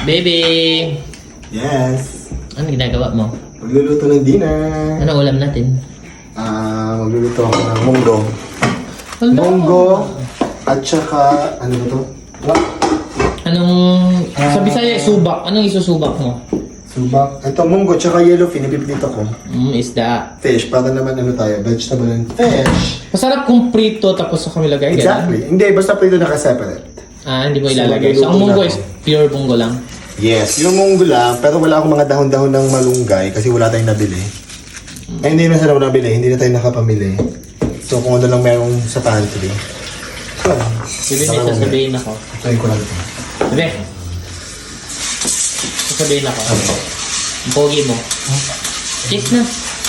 Baby! Yes. Ano ginagawa mo? Magluluto ng dinner. Ano ulam natin? Magluluto ako ng munggo. Hello. Munggo at saka, ano ba to? What? Anong... sa Bisaya, subak. Anong isusubak mo? Subak. Ito, munggo tsaka yellowfin. Ipiprito ko. Isda. Fish. Para naman ano tayo, vegetable and fish. Masarap kung prito tapos sa kami lagay. Exactly. Hindi, basta prito naka-separate. Hindi mo So, ilalagay. So, ang magluluto munggo na is ako. pure munggo lang. Yes, yung munggo lang, pero wala akong mga dahon-dahon ng malunggay kasi wala tayong nabili. Hindi na sila nabili, hindi na tayo nakapamili. So kung ano lang merong sa pantry. So, Bebe, may sasabihin ako. try ko lang ito. Bebe! Sasabihin ako. Ang pogi mo. Kiss na.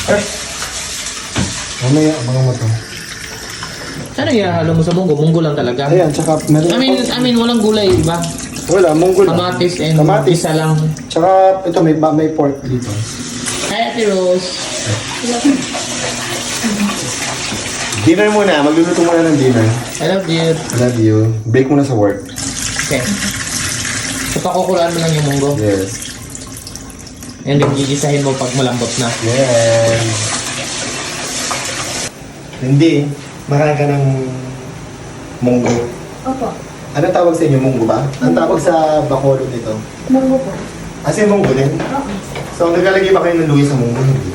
Mamaya, abangan mo ito. Ano ihahalo mo sa munggo? Munggo lang talaga. Ayan, tsaka meron I mean, walang gulay, iba? wala, munggo lang. Kamatis and Kamatis. isa lang. Tsaka ito, may pork dito. Hi, Ate Rose. Dinner muna, magluluto muna ng dinner. I love you. I love you. Break muna sa work. Okay. So, pakukulaan mo lang yung munggo. Yes. And then, gigisahin mo pag malambot na. Yes. Hindi, makain ka ng munggo. Opo. Ano tawag sa inyo? Munggo ba? Ang tawag sa Bacolod nito? Munggo po. Kasi munggo din. Okay. So, naglalagay ba kayo ng luya sa munggo? Hindi.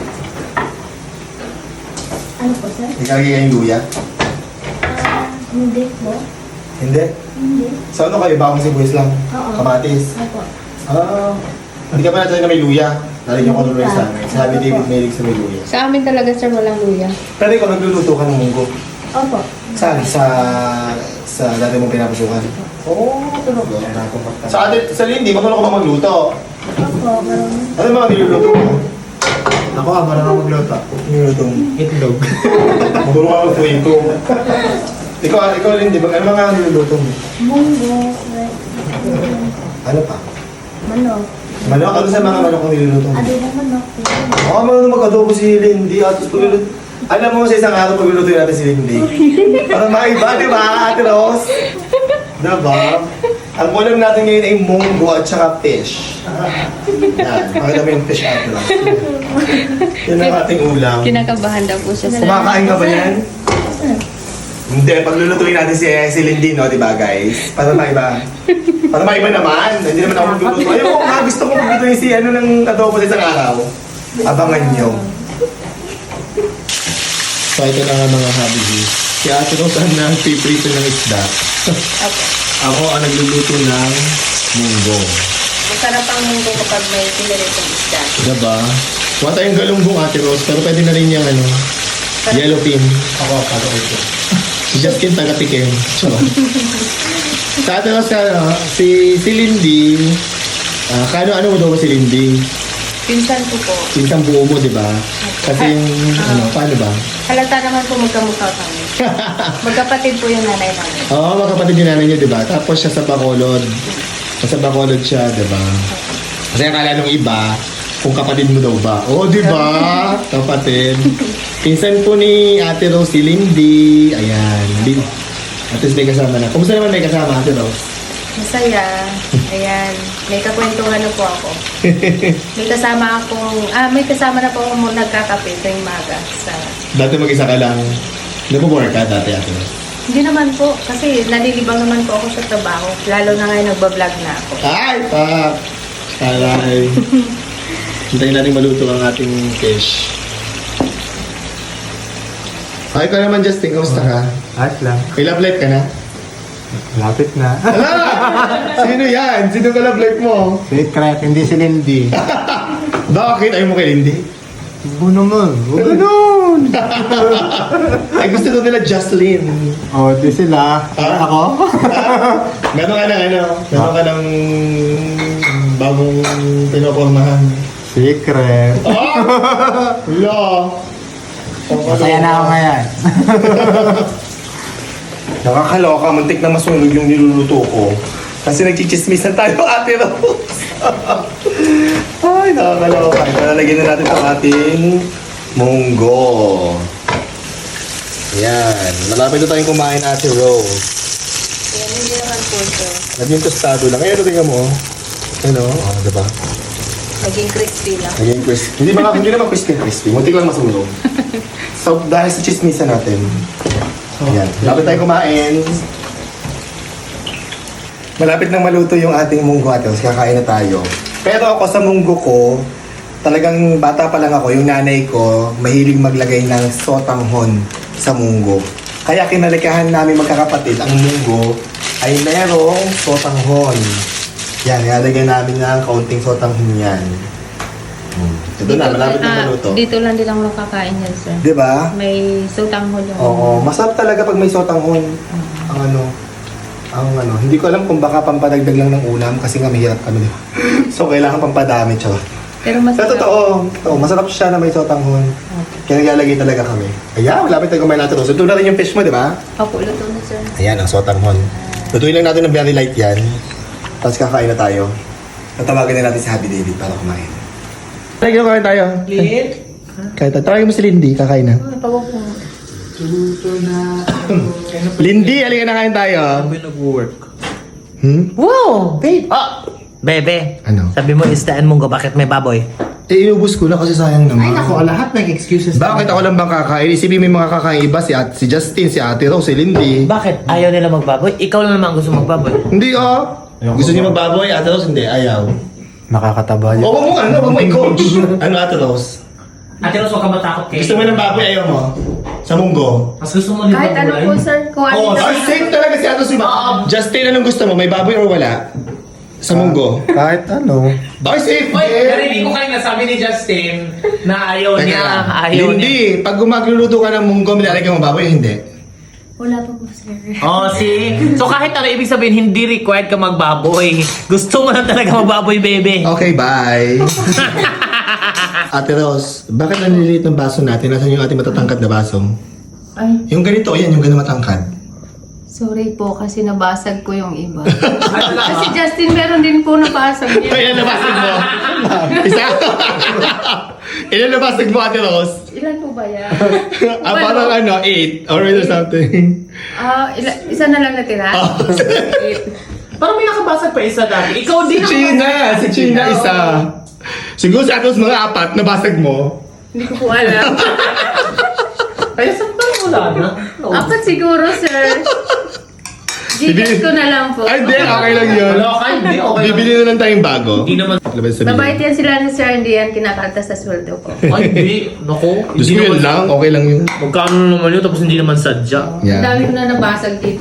Ano po, sir? Naglalagay kayo ng luya? Hindi po. Hindi. Hindi. So, ano kayo? Bawang sibuyas lang? Oo. Kamatis? Opo. Hindi ka pa natin na may luya. Lalagyan ko ng luya sa amin. Sabi David Malig sa may luya. Sa amin talaga, sir, walang luya. Pero ikaw, nagluluto ka ng munggo. Opo. Saan? Sa dati mong pinapasukan? Oo, talaga. Sa Lindy, marunong ka ba magluto? Opo, marunong. Ano mga niluluto mo? Ako marunong ako magluto. Niluluto mo? Itlog. Marunong ka magluto. Ikaw Lindy, ano mga niluluto mo? Munggo. Ano pa? Manok. Manok? Ano sa mga manok ang niluluto mo? Adobong manok. Oo, marunong mag-adobo si Lindy. At pagluluto. Alam mo sa isang araw pagluluto natin si Lindy. Para maiba, di ba, Ate Rose? Diba? Ang ulam natin ngayon ay munggo at saka fish. Yan, pakita mo yung fish, Ate Rose. Yan ang ating ulam. Kinakabahan daw po siya sa... Kumakain ka ba yan? Hindi, paglulutuin natin si Lindy, no? Diba, guys? Para maiba. Para maiba naman. Hindi naman ako magluluto. Ayun, gusto ko maglutuin si ano ng adobo sa isang araw. Abangan nyo. So ito na nga mga hobby. Si Ate Rose ang nagpiprito ng isda. Ako ang nagluluto ng munggo. Masarap ang munggo kapag may piniritong isda. Diba? Wala tayong galunggong Ate Rose, pero pwede na rin yung ano, yellowfin. Ako, ito. Si Justin taga-tikim. Sa Ate Rose, si Lindy, ano mo daw ba si Lindy? Pinsan ko po. Pinsang buo mo, di ba? Kasi yung, paano ba? Halata naman po magkamukha kami. Magkapatid po yung nanay namin. Oo, magkapatid yung nanay niyo, di ba? Tapos siya sa Bacolod. Sa Bacolod siya, di ba? Kasi akala nung iba, kung kapatid mo daw ba? Oo, di ba? Kapatid. Pinsan po ni Ate Rose, si Lindy. Ayan. At least may kasama na. Kumusta naman may kasama, Ate Rose? Masaya. Ayan. May kakwentuhan na po ako. May kasama na po ako nagkakape tuwing maga. Dati mag-isa ka lang. Nag-work ka dati, Ate Rose? Hindi naman po. Kasi nalilibang naman po ako sa trabaho. Lalo na ngayon nagbablog na ako. Ay, pak! Aray. Hintayin natin maluto ang ating fish. Ay, ka naman, Justin. Kamusta ka? Ayos lang. May love life ka na? Lapit na. Sino yan? Sino ka love life mo? Secret, hindi si Lindy. Bakit? Ayaw mo kay Lindy? Buno mo. Ganun! Ay, gusto daw nila Jocelyn. O, di sila. Ako? Meron ka ng meron ka ng bagong pinopormahan. Secret. Oh! Wala. Masaya na ako ngayon. Nakakaloka, muntik na masunog yung niluluto ko. Kasi nagchichismisan tayo, Ate Rose. Ay, nakakaloka. Lalagyan na natin itong ating munggo. Yan. Malapit na tayong kumain, Ate Rose. Ayan, hindi naman po ito. Naging tostado lang. Ayan, tingnan mo. Ano? Oo, diba? Naging crispy lang. Naging crispy. Hindi naman crispy. Muntik lang masunog. So, dahil sa chismisa natin. Ayan. Malapit tayo kumain. Malapit nang maluto yung ating munggo ate. Tapos kakain na tayo. Pero ako sa munggo ko, talagang bata pa lang ako, yung nanay ko, mahilig maglagay ng sotanghon sa munggo. Kaya kinalikahan namin magkakapatid, ang munggo ay merong sotanghon. Yan, nilalagyan namin ng kaunting sotanghon yan. Ito na, malapit na maluto. Dito lang din ako nakakain yan, sir. Di ba? May sutanghon yung... Oo, masarap talaga pag may sotanghon. Ang ano, hindi ko alam kung baka pampadagdag lang ng ulam kasi nga mahirap kami. So, kailangan pampadami, tsaka. Pero Sa masarap. totoo, masarap siya na may sotanghon. Kaya naglalagay talaga kami. Ayan, malapit tayo kumain natin. So, ito na rin yung fish mo, di ba? Opo, luto na, sir. Ayan, ang sotanghon. Lutuin lang natin ng very light yan. Tapos kakain na tayo. Tatawagan na natin si Happy David para kumain. Tara, kain tayo. Lid? Kain tayo. Tawagin mo si Lindy, kakain na. Ay, tawag po. Lindy, halika na kain tayo. Sabi nag-work. Wow! Babe! Bebe, Ano? sabi mo istaan munggo, bakit may baboy? Eh, inubos ko na kasi sayang naman. Ay, nako, lahat ng excuses. Bakit ako lang bang kakain? Isipin mo yung mga kakain iba, si Justin, si Ate Rose, si Lindy. Bakit? Ayaw nila magbaboy? Ikaw lang naman gusto magbaboy. Hindi, Gusto niyo magbaboy, Ate Rose? Hindi, ayaw. Nakakataba O, wag mo i-coach. Ano, Ate Rose? Ate Rose, huwag ka matakot kay... Gusto mo ng baboy, ayaw mo? Sa munggo? Mas gusto mo Kahit ano po, sir. Kung ano Oh, na- safe talaga si Ate Rose. Justin, anong gusto mo? May baboy or wala? Sa munggo? Kahit ano. Bakit safe? Uy, narinig ko kayo nasabi ni Justin na ayaw niya. Ayaw niya. Hindi. Pag magluluto ka ng munggo, nilalagyan mo baboy, hindi. Wala pa po, sir. Oh, see? So kahit ano ibig sabihin, hindi required ka magbaboy. Gusto mo lang talaga magbaboy, bebe. Okay, bye. Ate Rose, bakit nanliliit ng baso natin? Nasaan yung ating matatangkad na baso? Ay, Yung ganito, yan, yung ganun matangkad. sorry po kasi nabasag ko yung iba. Kasi Justin, meron din po nabasag niya. Ilan nabasag mo? Isa? Ilan nabasag mo, Ate Rose? Ilan po ba yan? Parang 8 or something. Isa na lang natira. Parang may nakabasag pa isa dati. Ikaw din Si China isa. Siguro si Ate Rose mga 4 nabasag mo. Hindi ko po alam. Kaya saan parang wala na? Apat siguro, sir. Gcash ko na lang po. Ay, hindi. Okay lang yun. Wala ka, hindi. Okay lang. Bibili na lang tayong bago. Hindi naman. Labas sa Mabait bili. yan sila ni sir, hindi yan kinakalta sa sweldo ko. Ay, hindi. Naku. Gusto mo yun lang? Okay lang yun. Magkano naman yun tapos hindi naman sadya. Ang Yeah. dami ko na nabasag dito.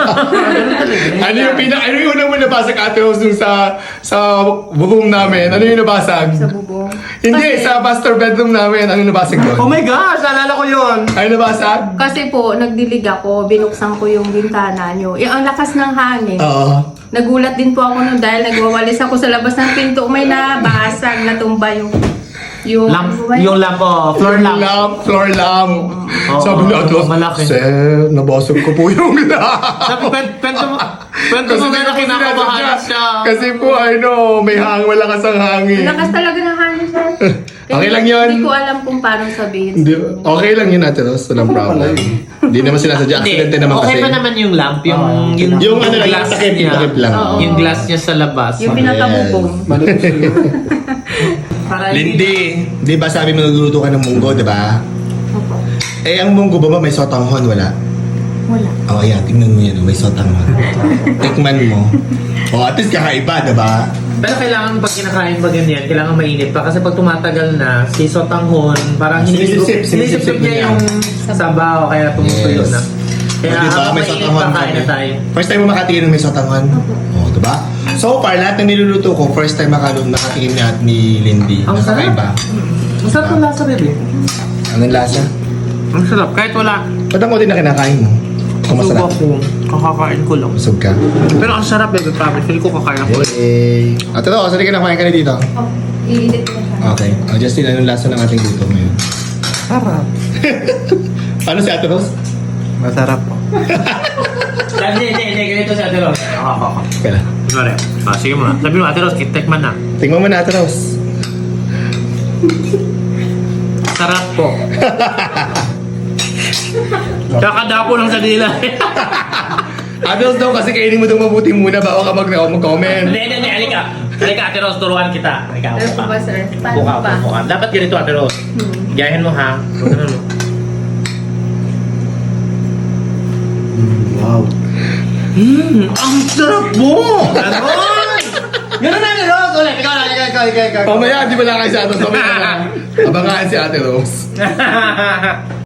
Ano yung unang mo nabasag, Ate Rose, nung sa room namin? Ano yung nabasag? Sa bubong. Hindi, sa master bedroom namin. Ano nabasag Oh doon? my gosh! Naalala ko yun! Ano nabasag? Kasi po, nagdilig ako, binuksan ko yung bintana nyo. Ang lakas ng hangin. Oo. Nagulat din po ako nun dahil nagwawalis ako sa labas ng pinto. May nabasag, natumba yung... Lamp, yung lamp, Floor lamp. Oo, Sabi ni Ate Rose, malaki. Sir, nabasag ko po yung lamp. Sabi, kwento mo na kinakabahan siya. Kasi po, may malakas ang hangin. Lakas talaga ng hangin, sir. Okay lang yun. Hindi ko alam kung paano sabihin. Hindi, okay lang yun, Ate Rose. Walang problem. Hindi naman sinasadya. Aksidente naman okay kasi. pa naman yung lamp, Yung ano lang, glass takip niya. lang. Oo. Yung glass niya sa labas. Yung pinakabubong. Para Lindy, di ba sabi mo nagluluto ka ng munggo, di ba? Opo. Eh, ang munggo ba may sotanghon? Wala. Wala. Oh, ayan. Tingnan mo yan. May sotanghon. Tikman mo. Oh, at least kakaiba, di ba? Pero kailangan pag kinakain ba ganyan, kailangan mainit pa. Kasi pag tumatagal na, si sotanghon, parang Sinisip-sip niya niya. yung sabaw, kaya tumutuyo Yes. na. Kaya Oh, di ba? habang May mainit sotanghon pa, kain na tayo. First time mo makatingin ng may sotanghon? Oh, di ba? So far, lahat ng niluluto ko, first time makatingin ni Lindy. Ang sarap. Nakakaiba. Masarap yung lasa rin eh. Anong lasa? Ang sarap, kahit wala. Ba't ang din na kinakain mo? Kung masarap. Ko, kakakain ko lang. Busog ka. Pero ang sarap eh, promise. Hindi ko kakain ako. Yay! Ate Rose, sali ka na kumain ka na dito. Oh, iinit ko na siya. Okay. Justin, anong lasa ng ating luto ngayon? Sarap. Paano si Ate Rose? Masarap po. Hindi. Ganito si Ate Rose. Okay lang. Sorry. Sige mo na. Sabi mo, Ate Rose, kitekman na. Tingnan mo na, Ate Rose. Sarap po. Kakadapo lang sa dila. Ate Rose daw kasi kainin mo daw mabuti muna bago ka mag-comment. Hindi. Halika. Halika, Ate Rose, turuan kita. Halika, Ano upo po ka. ba, sir? Upo Paano ka, pa? upo ka. Dapat ganito, Ate Rose. Gayahin mo, ha? Ganun mo. Wow. Ang sarap mo! Ganon! Ganon na, Ate Rose! Ulit, ikaw. Mamaya, di ba lang kayo sa atin? Abangan si Ate Rose.